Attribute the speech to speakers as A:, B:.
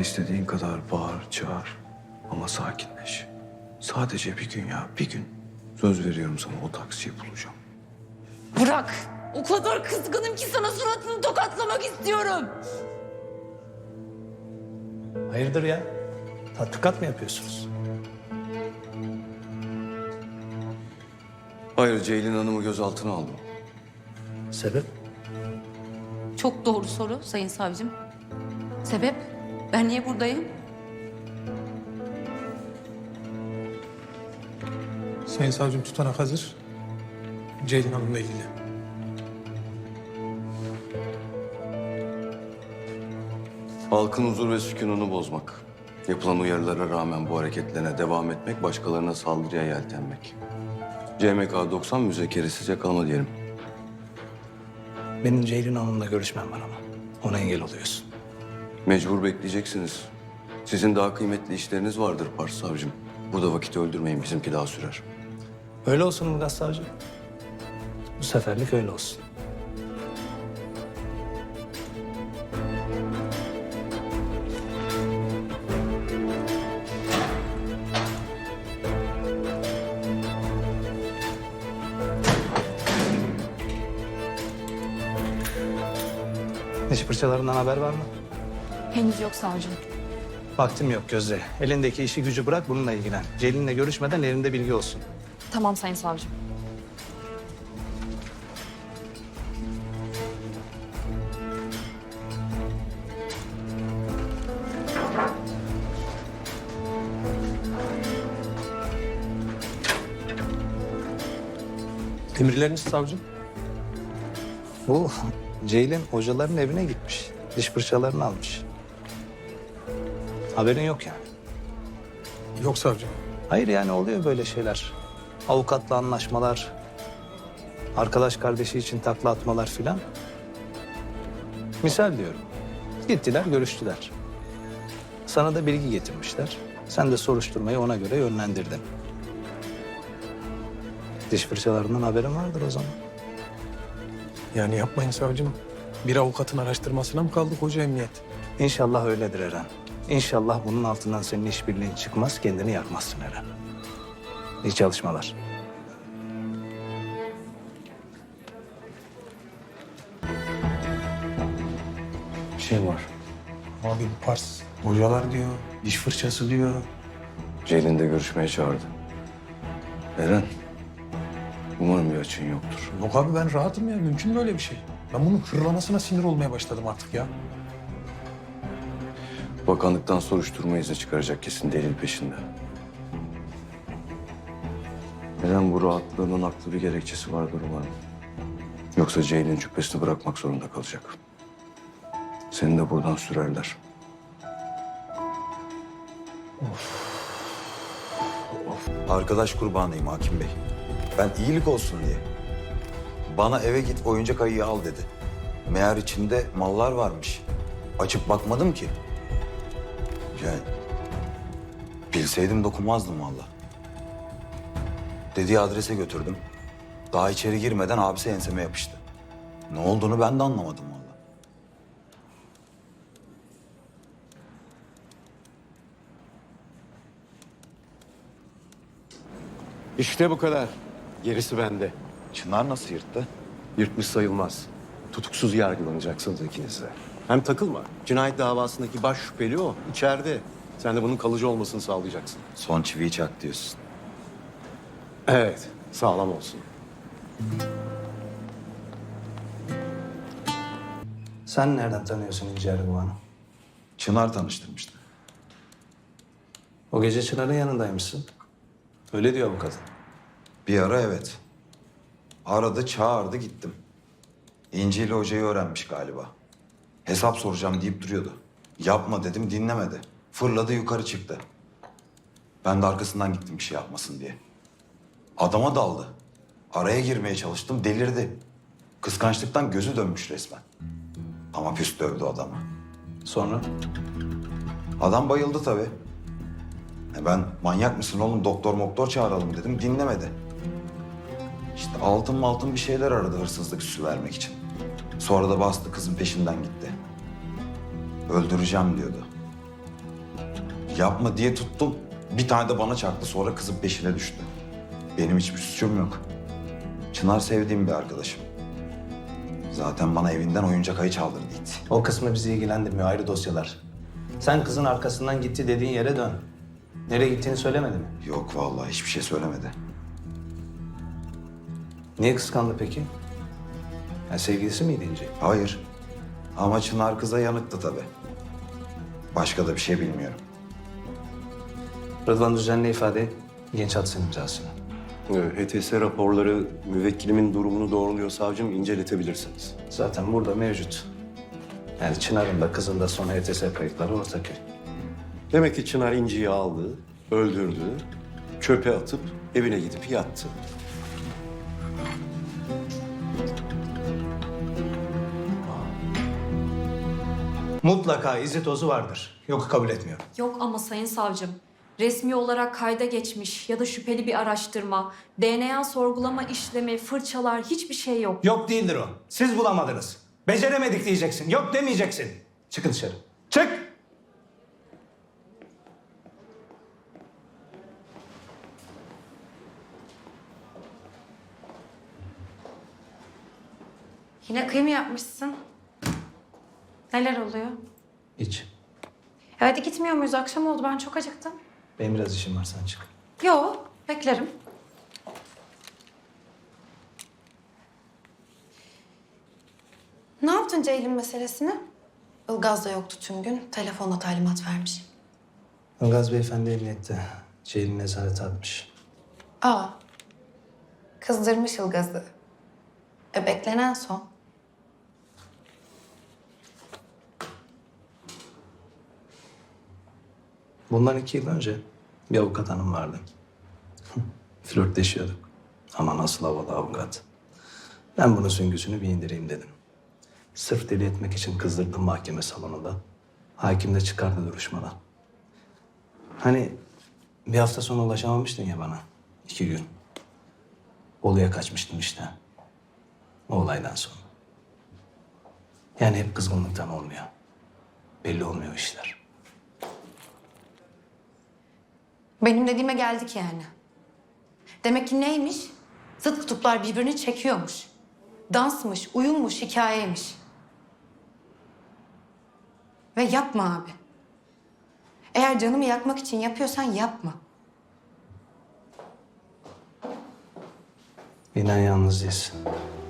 A: istediğin kadar bağır, çağır. Ama sakinleş. Sadece bir gün ya, bir gün. Söz veriyorum sana, o taksiyi bulacağım.
B: Bırak. O kadar kızgınım ki sana suratını tokatlamak istiyorum.
C: Hayırdır ya? Tatbikat mı yapıyorsunuz?
A: Hayır, Ceylin Hanım'ı gözaltına aldım.
C: Sebep?
B: Çok doğru soru sayın savcım. Sebep? Ben niye buradayım?
D: Sayın savcım tutanak hazır. Ceylin Hanım'la ilgili.
A: Halkın huzur ve sükununu bozmak. Yapılan uyarılara rağmen bu hareketlerine devam etmek, başkalarına saldırıya yeltenmek. CMK 90 müzekeresiz yakalama diyelim.
C: Benim Ceylin Hanım'la görüşmem var ama. Ona engel oluyorsun.
A: Mecbur bekleyeceksiniz. Sizin daha kıymetli işleriniz vardır Pars savcım. Burada vakit öldürmeyin, bizimki daha sürer.
C: Öyle olsun Ilgaz Savcı. Bu seferlik öyle olsun. Diş fırçalarından haber var mı?
B: Henüz yok savcım.
C: Vaktim yok Gözde. Elindeki işi gücü bırak, bununla ilgilen. Ceylin'le görüşmeden elinde bilgi olsun.
B: Tamam sayın savcım.
D: Emirleriniz savcım.
C: Bu Ceylin hocaların evine gitmiş. Diş fırçalarını almış. Haberin yok yani.
D: Yok savcım.
C: Hayır yani oluyor böyle şeyler. Avukatla anlaşmalar, arkadaş kardeşi için takla atmalar filan. Misal diyorum. Gittiler, görüştüler. Sana da bilgi getirmişler. Sen de soruşturmayı ona göre yönlendirdin. Diş fırçalarından haberin vardır o zaman.
D: Yani yapmayın savcım. Bir avukatın araştırmasına mı kaldık hoca emniyet?
C: İnşallah öyledir Eren. İnşallah bunun altından senin işbirliğin çıkmaz, kendini yakmazsın Eren. İyi çalışmalar.
A: Bir şey var.
D: Abi bu Pars. Hocalar diyor, diş fırçası diyor.
A: Ceylin de görüşmeye çağırdı. Eren, umarım bir açığın yoktur.
D: Yok abi ben rahatım ya. Mümkün mü öyle bir şey? Ben bunun hırlamasına sinir olmaya başladım artık ya.
A: Bakanlıktan soruşturma izni çıkaracak, kesin delil peşinde. Eren, bu rahatlığının haklı bir gerekçesi vardır umarım. Yoksa Ceylin cübbesini bırakmak zorunda kalacak. Seni de buradan sürerler.
E: Arkadaş kurbanıyım Hakim Bey. Ben iyilik olsun diye. Bana eve git oyuncak ayıyı al dedi. Meğer içinde mallar varmış. Açıp bakmadım ki. Yani bilseydim dokunmazdım vallahi. Dediği adrese götürdüm. Daha içeri girmeden abisi enseme yapıştı. Ne olduğunu ben de anlamadım vallahi.
F: İşte bu kadar. Gerisi bende.
E: Çınar nasıl yırttı?
F: Yırtmış sayılmaz. Tutuksuz yargılanacaksınız ikiniz de. Hem takılma. Cinayet davasındaki baş şüpheli o. İçeride. Sen de bunun kalıcı olmasını sağlayacaksın.
E: Son çiviyi çak diyorsun.
F: Evet. Sağlam olsun.
C: Sen nereden tanıyorsun İnci Erguvan'ı?
E: Çınar tanıştırmıştı.
C: O gece Çınar'ın yanındaymışsın. Öyle diyor bu kadın.
E: Bir ara evet. Aradı, çağırdı, gittim. İnci ile hocayı öğrenmiş galiba. Hesap soracağım deyip duruyordu. Yapma dedim, dinlemedi. Fırladı, yukarı çıktı. Ben de arkasından gittim bir şey yapmasın diye. Adama daldı. Araya girmeye çalıştım, delirdi. Kıskançlıktan gözü dönmüş resmen. Ama püs dövdü adamı.
C: Sonra?
E: Adam bayıldı tabii. Ben manyak mısın oğlum, doktor çağıralım dedim, dinlemedi. İşte altın bir şeyler aradı hırsızlık süsü vermek için. Sonra da bastı, kızın peşinden gitti. Öldüreceğim diyordu. Yapma diye tuttum. Bir tane de bana çaktı. Sonra kızın peşine düştü. Benim hiçbir suçum yok. Çınar sevdiğim bir arkadaşım. Zaten bana evinden oyuncak ayı çaldırdıydı.
C: O kısmı bizi ilgilendirmiyor, ayrı dosyalar. Sen kızın arkasından gitti dediğin yere dön. Nereye gittiğini söylemedi mi?
E: Yok vallahi hiçbir şey söylemedi.
C: Niye kıskandı peki? Ya sevgilisi miydi İnci?
E: Hayır. Ama Çınar kıza yanıktı tabii. Başka da bir şey bilmiyorum.
C: Rıdvan düzenli ifade genç atsın imzasını.
F: HTS raporları müvekkilimin durumunu doğruluyor savcım, inceletebilirsiniz.
C: Zaten burada mevcut. Yani Çınar'ın da kızın da son HTS kayıtları ortak.
F: Demek ki Çınar İnci'yi aldı, öldürdü, çöpe atıp evine gidip yattı.
C: Mutlaka izi tozu vardır. Yok, kabul etmiyorum.
G: Yok ama sayın savcım, resmi olarak kayda geçmiş ya da şüpheli bir araştırma, DNA sorgulama işlemi, fırçalar hiçbir şey yok.
C: Yok değildir o. Siz bulamadınız. Beceremedik diyeceksin. Yok demeyeceksin. Çıkın dışarı. Çık!
H: Yine kıyım yapmışsın. Neler oluyor?
C: Hiç.
H: Hadi gitmiyor muyuz? Akşam oldu. Ben çok acıktım.
C: Benim biraz işim var, sen çık.
H: Yo, beklerim. Ne yaptın Ceylin meselesini? Ilgaz da yoktu tüm gün. Telefonla talimat vermiş.
C: Ilgaz Beyefendi emniyette. Ceylin nezarete atmış.
H: Aa, kızdırmış Ilgaz'ı. Beklenen son.
C: Bundan 2 yıl önce bir avukat hanım vardı. Flörtleşiyorduk. Ama nasıl havalı avukat. Ben bunun süngüsünü bir indireyim dedim. Sırf deli etmek için kızdırdım mahkeme salonunda. Hakim de çıkardı duruşmadan. Hani bir hafta sonra ulaşamamıştın ya bana. 2 gün. Bolu'ya kaçmıştım işte. O olaydan sonra. Yani hep kızgınlıktan olmuyor. Belli olmuyor işler.
H: Benim dediğime geldik yani. Demek ki neymiş? Zıt kutuplar birbirini çekiyormuş. Dansmış, uyummuş, hikayeymiş. Ve yapma abi. Eğer canımı yakmak için yapıyorsan yapma.
C: İnan yalnız değilsin.